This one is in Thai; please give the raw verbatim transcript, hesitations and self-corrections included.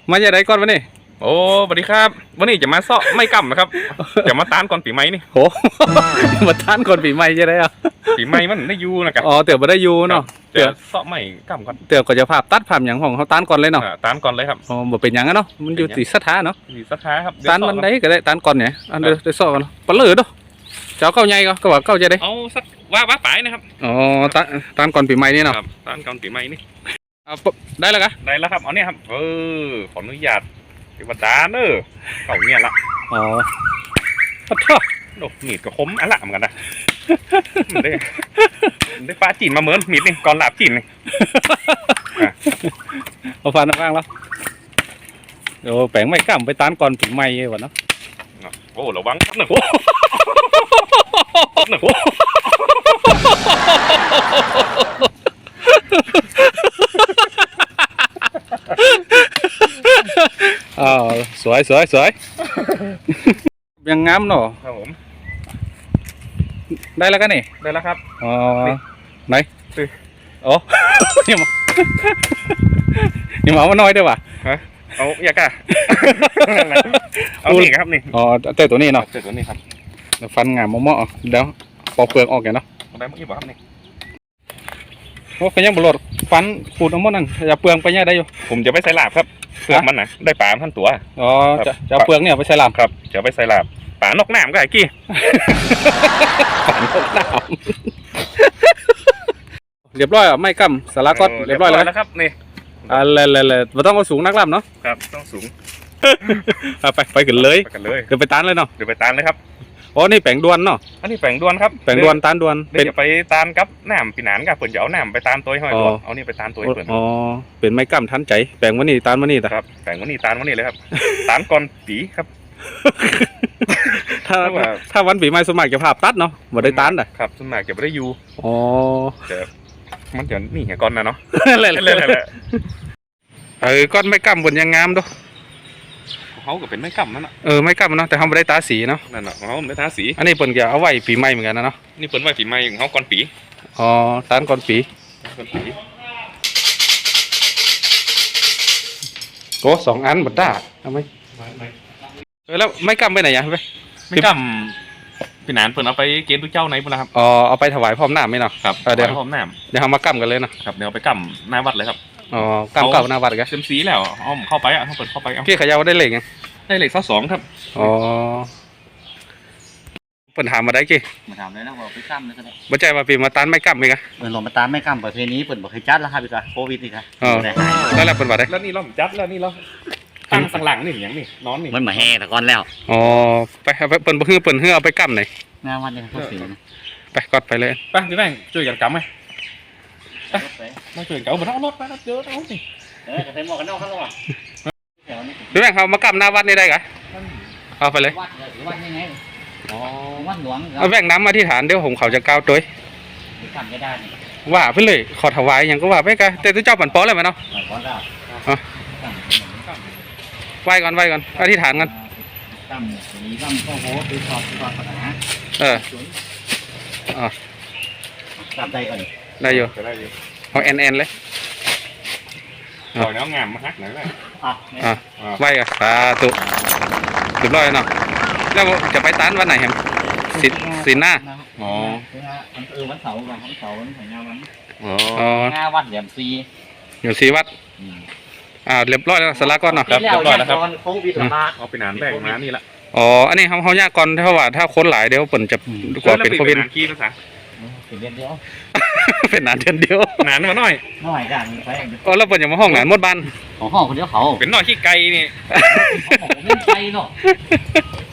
มาจะได้ก่อนวะนี่โอ้สวัสดีครับวันนี้จะมาเซาะไม่กำนะครับจะมาต้านก่อนปีใหม่นี่โหมาทานก่อนปีใหม่จะได้อ่ะปีใหม่มันได้ยูนะครับอ๋อเตี๋ยวมาได้ยูเนาะเตี๋ยวเซาะไม่กำก่อนเตี๋ยวก็จะภาพตัดภาพอย่างของเขาต้านก่อนเลยเนาะต้านก่อนเลยครับอ๋อบ่เป็นอย่างนั้นเนาะมันอยู่ที่สถานเนาะที่สถานครับต้านมันได้ก็ได้ต้านก่อนเนี่ยอันเดียวได้ซอกกันปลาเลือดเนาะเจ้าเข้าใหญ่ก็ก็ว่าเข้าจะได้เอาสักว่าว่าไปนะครับอ๋อต้านต้านก่อนปีใหม่นี่เนาะต้านก่อนปีใหม่นี่เอาได้แล้วกะได้แล้วครับเอาเนี่ยครับเออขออนุญาตที่วัดดาเนอเขาเนี่ยละอ๋อขอโทษโอ้มีดก็คมอะละเหมือนกันนะได้ได้ปลาจีนมาเหมือนมีดนี่ก่อนหลาบจีนนี่เอาฟันข้างแล้วโอ้แปลงไม่กล้าไปต้านก่อนปีใหม่วะเนาะโอ้ระวังครับหนึ่งหนึ่งอ๋อสวยสวยสวยยังงามเนาะครับผมได้แล้วกันนี่ได้แล้วครับอ๋อไหนโอ้ยมานี่มาเอามาน้อยด้วยว่ะฮะเอาอยากอะเอานี่ครับนี่อ๋อเต้ตัวนี้เนาะเต้ตัวนี้ครับฟันงามมอๆเดี๋ยวปอกเปลือกออกแกเนาะได้เมื่อกี้บอกครับนี่โอ้ขยังบลดฟันขูดเอาหมดนั่นอย่าเปลืองไปเนี่ยได้อยู่ผมจะไปใส่ลาบครับเปลือกมันนะได้ปลาท่านตัวอ๋อจะจะเปลือกเนี่ยไปใส่ลาบครับจะไปใส่ลาบปลานกน้ำก็ไอ้กี้ปลานกน้ำเรียบร้อยอ่ะไม่กำสาระก็เรียบร้อยแล้วครับนี่อะไรเลยๆเราต้องเอาสูงนักล่ำเนาะครับต้องสูงไปไปกันเลยไปกันเลยเดี๋ยวไปตานเลยเนาะเดี๋ยวไปตานเลยครับอ๋อนี่แปลงดวนเนาะอันนี้แปลงดวนครับแปลงดวนตานดวนเป็นไปตานกับน้ำปีนานกับเปิ่นจะเอาน้ำไปตานตัวห้อยตัวเอานี่ไปตานตัวเปิ่นอ๋อเป็นไม้กั้มทันใจแปลงวันนี้ตานวันนี้ครับแปลงวันนี้ตานวันนี้เลยครับตานก่อนปีครับถ้าถ้าวันปีใหม่สมัยจะภาพตัดเนาะบ่ได้ตานอ่ะครับสมัยจะไม่ได้ยูอ๋อแต่มันจะนี่เหรอก้อนนะเนาะเล่นเล่นเออก้อนไม้กั้มบนยังงามด้วยเขาก็เป็นไม้กั้มนั่นแหละเออไม้กั้มเนาะแต่เขาไม่ได้ตาสีเนาะนั่นแหละเขาไม่ได้ตาสีอันนี้เปิ่นจะเอาไว้ปีใหม่เหมือนกันนะเนาะนี่เปิ่นไว้ปีใหม่ของเขาก่อนปีอ๋อตานก่อนปีก่อนปีโอ้สองอันบัดด้าทำไมเออแล้วไม้กั้มไปไหนอ่ะไปไม้กั้มปีนานเปิ่นเอาไปเกณฑ์ทุกเจ้าไหนปุ่นนะครับอ๋อเอาไปถวายพร้อมน้ำไหมเนาะครับเดี๋ยวพร้อมน้ำเดี๋ยวเอามากั้มกันเลยเนาะครับเดี๋ยวไปกั้มหน้าวัดเลยครับอ๋อกั้มเก่าหน้าวัดกันเต็มสีแล้วอ้อมเข้าไปอ่ะเขาเปิดเข้าไปพี่ขยาวได้เหล็กไงได้เหล็กข้อสองครับอ๋อเปิดถามมาได้กี่มาถามเลยนะว่าไปกั้มเลยก็ได้บ่ใจมาปีมาตันไม่กั้มไหมกันเปิดลงมาตามไม่กั้มประเพณีเปิดบอกให้จัดแล้วครับพี่กะโควิดนี่ครับอ๋อแล้วแล้วเปิดว่าได้แล้วนี่เราจัดแล้วนี่เราตั้งสังหลังนี่อย่างนี้นอนนี่มันมาแห่แต่ก่อนแล้วอ๋อไปไปเปิดเพื่อเปิดเพื่อเอาไปกั้มหน่อยงานวันนี้เขาสีไปกอดไปเลยไปพี่แม่งช่วยกันกั้มไหมมาช่วยกันเอาบนท้องรถไปรถเยอะเอาสิเออกระเทียมหมอกกันนอกข้างนอกพี่แม่งเขามากั้มหน้าวัดนี่ได้กะเอาไปเลยวัดวัดยังไงอ๋อวัดหลวงเอาแบ่งน้ำมาที่ฐานเดี๋ยวผมเขาจะก้าวตัวกั้มจะได้ว่าไปเลยขอถวายอย่างก็ว่าไปกันแต่ตัวเจ้าปั่นป้อเลยไหมเนาะไหวก่อนไหวก่อนอธิษฐานกันกั้มมีกั้มก็โหตีชอบชอบปัญหาเอออ๋อกั้มได้ก่อนได้อยู่เอาแอนแอนเลยปล่อยน้ำงามมาฮักหน่อยได้อ่าไหวกันสาธุเรียบร้อยเนาะแล้วจะไปต้านวันไหนแฮมสิสิหน้าอ๋อเออวันเสาร์วันเสาร์วันของงานวันอ๋องานวัดเหลี่ยมซีเหลี่ยมซีวัดอ่าเรียบร้อยแล้วสาระก้อนเนาะครับเรียบร้อยแล้วครับเอาไปนานแบ่งมานี่ละอ๋ออันนี้เขาเขายากก่อนถ้าว่าถ้าคนหลายเดี๋ยวเปิ่นจะกว่าเป็นโควิดขี้ภาษาเป็นเดือนเดียวเป็นนานเดือนเดียวนานมาหน่อยหน่อยกันไปอ๋อแล้วเปิ่นอย่ามาห้องหนานมดบ้านของห้องคนเดียวเขาเป็นหน่อยขี้ไก่นี่เป็นไก่เนาะ